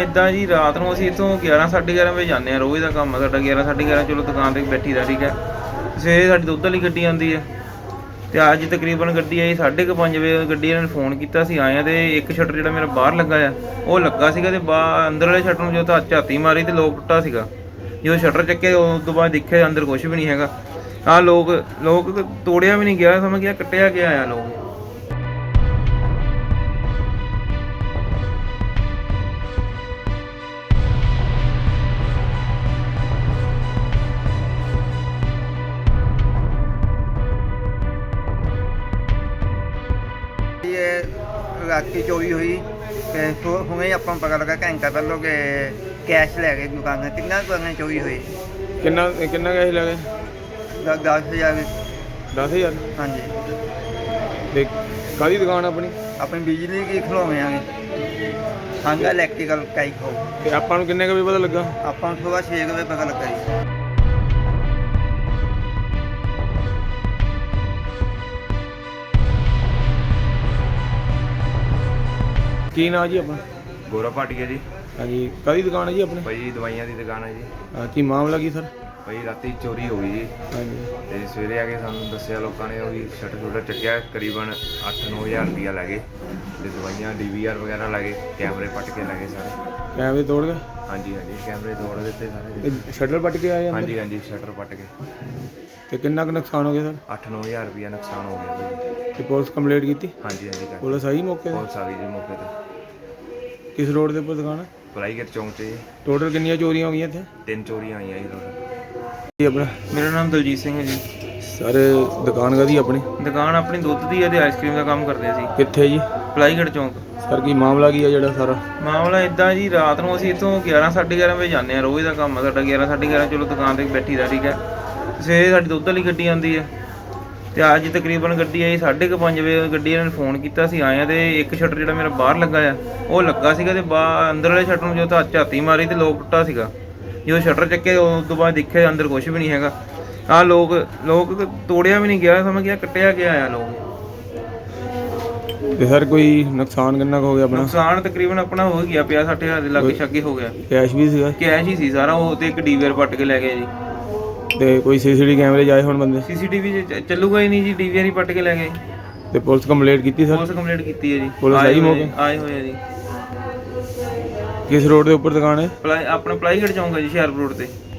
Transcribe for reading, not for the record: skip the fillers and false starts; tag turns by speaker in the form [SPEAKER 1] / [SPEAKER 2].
[SPEAKER 1] इदा जी रात को असीं इत्थों 11-11:30 बजे जाने रोज़ का काम है साडा 11-11:30 चलो दुकान पर बैठी दा ठीक है। सवेरे साडी दुੱਧ वाली गड्डी आती है तो अज तकरीबन गड्डी आई 5:30 बजे गड्डी इन्होंने फोन किया असीं आए तो एक शटर जो मेरा बाहर लगा है वो लगा सीगा ते अंदर वाले शटर जो झाती मारी तो लोक टुੱਟਾ सीगा। जो शटर चक्के उस तो बाद देखिया अंदर कुछ भी नहीं हैगा। हाँ लोग तोड़िया भी नहीं गया समझ गया कट्टिया गया आया लोग।
[SPEAKER 2] ये रात चोरी हुई हुए ही अपन पता लगा घंटा पहलों के कैश लै गए दुकान कितना दुकान चोरी हुई
[SPEAKER 3] कितना कितना कैश लगे
[SPEAKER 2] 10,000
[SPEAKER 3] 10,000
[SPEAKER 2] हाँ जी।
[SPEAKER 3] ਤੇ ਕਾਹਦੀ ਦੁਕਾਨ ਆਪਣੀ
[SPEAKER 2] अपनी बिजली की खिलौने आ हांगा इलैक्ट्रिकल टाइप हो
[SPEAKER 3] ਤੇ ਆਪਾਂ ਨੂੰ ਕਿੰਨੇ ਕੁ ਵਜੇ ਪਤਾ ਲੱਗਾ
[SPEAKER 2] अपन सुबह 6 बजे पता लगा जी।
[SPEAKER 3] ਕੀ ਨਾਂ ਜੀ ਆਪਣਾ
[SPEAKER 4] ਗੋਰਾ ਭਾਟੀਆ ਜੀ।
[SPEAKER 3] ਹਾਂਜੀ ਕਾਹਦੀ ਦੁਕਾਨ ਹੈ ਜੀ ਆਪਣੀ
[SPEAKER 4] ਭਾਈ ਦਵਾਈਆਂ ਦੀ ਦੁਕਾਨ ਹੈ ਜੀ।
[SPEAKER 3] ਕੀ ਮਾਮਲਾ ਕੀ ਸਰ
[SPEAKER 4] ਭਾਈ ਰਾਤੀ ਚੋਰੀ ਹੋ ਗਈ ਜੀ
[SPEAKER 3] ਹਾਂਜੀ
[SPEAKER 4] ਤੇ ਸਵੇਰੇ ਆ ਕੇ ਸਾਨੂੰ ਦੱਸਿਆ ਲੋਕਾਂ ਨੇ ਉਹੀ ਸ਼ਟਰ ਚੱਕਿਆ ਕਰੀਬਨ 8-9 ਹਜ਼ਾਰ ਰੁਪਇਆ ਲੈ ਗਏ ਤੇ ਦਵਾਈਆਂ DVR ਵਗੈਰਾ ਲੈ ਗਏ ਕੈਮਰੇ ਪੱਟ ਕੇ ਲੈ ਗਏ ਸਾਰੇ।
[SPEAKER 3] ਕੈਮਰੇ ਤੋੜ ਗਏ
[SPEAKER 4] ਹਾਂਜੀ ਕੈਮਰੇ ਤੋੜ ਦਿੱਤੇ ਸਾਰੇ।
[SPEAKER 3] ਸ਼ਟਰ ਪੱਟ ਕੇ ਆਏ ਅੰਦਰ?
[SPEAKER 4] ਹਾਂਜੀ ਸ਼ਟਰ ਪੱਟ ਕੇ
[SPEAKER 3] ਤੇ ਕਿੰਨਾ ਕੁ ਨੁਕਸਾਨ ਹੋ ਗਿਆ ਸਰ
[SPEAKER 4] 8-9 ਹਜ਼ਾਰ ਰੁਪਇਆ ਨੁਕਸਾਨ ਹੋ ਗਿਆ ਭਾਈ।
[SPEAKER 3] ਤੇ ਪੁਲਿਸ ਕੰਪਲੇਂਟ ਕੀਤੀ?
[SPEAKER 4] ਹਾਂਜੀ ਕਰ
[SPEAKER 3] ਪੁਲਿਸ ਆਈ ਮੌਕੇ ਤੇ?
[SPEAKER 4] ਪੁਲਿਸ ਆ ਗਈ ਜੀ ਮੌਕੇ ਤੇ।
[SPEAKER 3] ਕਿਸ ਰੋਡ ਦੇ ਉੱਪਰ ਦੁਕਾਨ ਹੈ?
[SPEAKER 4] ਪਲਾਈਗਰ ਚੌਂਕ 'ਚ ਜੀ
[SPEAKER 3] ਟੋਟਲ ਕਿੰਨੀਆਂ ਚੋਰੀਆਂ ਹੋ ਗਈਆਂ ਇੱਥੇ?
[SPEAKER 4] 3 ਚੋਰੀਆਂ ਆਈਆਂ ਜੀ ਟੋਟਲ।
[SPEAKER 3] ਜੀ ਆਪਣਾ
[SPEAKER 1] मेरा नाम दलजीत सिंह है जी।
[SPEAKER 3] ਸਰ ਦੁਕਾਨ ਕਾਹਦੀ ਆਪਣੀ?
[SPEAKER 1] दुकान अपनी दुੱਧ ਦੀ है ਤੇ आइसक्रीम का काम करते ਸੀ
[SPEAKER 3] ਕਿੱਥੇ ਜੀ?
[SPEAKER 1] ਪਲਾਈਗੜ ਚੌਂਕ।
[SPEAKER 3] ਸਰ ਕੀ ਮਾਮਲਾ ਕੀ ਹੈ ਜਿਹੜਾ ਸਾਰਾ?
[SPEAKER 1] ਮਾਮਲਾ ਇਦਾਂ ਜੀ ਰਾਤ ਨੂੰ ਅਸੀਂ ਇੱਥੋਂ 11-11:30 ਵਜੇ ਜਾਂਦੇ ਰੋਜ਼ ਦਾ ਕੰਮ ਹੈ ਸਾਡਾ 11-11:30 ਚਲੋ ਦੁਕਾਨ ਤੇ ਬੈਠੀ ਦਾ ਠੀਕ ਹੈ। ਸਵੇਰੇ ਸਾਡੀ ਦੁੱਧ ਵਾਲੀ ਗੱਡੀ ਆਉਂਦੀ ਹੈ ਤੇ ਅੱਜ ਤਕਰੀਬਨ ਗੱਡੀ ਆਈ 5:30 ਵਜੇ ਗੱਡੀ ਇਹਨਾਂ ਨੇ ਫੋਨ ਕੀਤਾ ਅਸੀਂ ਆਏ ਤੇ ਇੱਕ ਸ਼ਟਰ ਜਿਹੜਾ ਮੇਰਾ ਬਾਹਰ ਲੱਗਾ ਆ ਉਹ ਲੱਗਾ ਸੀਗਾ ਤੇ ਅੰਦਰ ਵਾਲੇ ਸ਼ਟਰ ਨੂੰ ਜੋ ਝਾਤੀ ਮਾਰੀ ਤੇ ਲੋਕ ਟੁੱਟਾ ਸੀਗਾ। ਜਦੋਂ ਸ਼ਟਰ ਚੱਕੇ ਉਸ ਤੋਂ ਬਾਅਦ ਦੇਖਿਆ ਅੰਦਰ ਕੁਝ ਵੀ ਨਹੀਂ ਹੈਗਾ। हाँ लोग तोड़िया भी नहीं गया समझ गया कट्टिया गया आया लोग।
[SPEAKER 3] ਤੇ ਸਰ ਕੋਈ ਨੁਕਸਾਨ ਕਿੰਨਾ ਕੁ ਹੋ ਗਿਆ ਆਪਣਾ?
[SPEAKER 1] नुकसान तकरीबन अपना हो गया 50-60 हज़ार ਦੇ ਲਾਗੇ ਛਾਗੇ ਹੋ ਗਿਆ।
[SPEAKER 3] ਕੈਸ਼ ਵੀ ਸੀਗਾ?
[SPEAKER 1] ਕੈਸ਼ ਹੀ ਸੀ ਸਾਰਾ ਉਹ ਤੇ ਇੱਕ DVR ਪੱਟ ਕੇ ਲੈ ਗਏ ਜੀ।
[SPEAKER 3] ਤੇ ਕੋਈ CCTV ਕੈਮਰੇ ਜਾਏ ਹੁਣ ਬੰਦੇ?
[SPEAKER 1] CCTV ਚੱਲੂਗਾ ਹੀ ਨਹੀਂ ਜੀ DVR ਹੀ ਪੱਟ ਕੇ ਲੈ ਗਏ।
[SPEAKER 3] ਤੇ ਪੁਲਿਸ ਕੰਪਲੇਂਟ ਕੀਤੀ ਸਰ?
[SPEAKER 1] ਪੁਲਿਸ ਕੰਪਲੇਂਟ ਕੀਤੀ ਹੈ ਜੀ।
[SPEAKER 3] ਪੁਲਿਸ ਆਈ ਮੌਕੇ?
[SPEAKER 1] ਆਏ ਹੋਏ ਆ ਜੀ।
[SPEAKER 3] ਕਿਸ ਰੋਡ ਦੇ ਉੱਪਰ ਦੁਕਾਨ ਹੈ?
[SPEAKER 1] ਆਪਣਾ ਪਲਾਈਗੜ ਚੌਂਕ ਹੈ ਜੀ ਹੁਸ਼ਿਆਰਪੁਰ ਰੋਡ ਤੇ।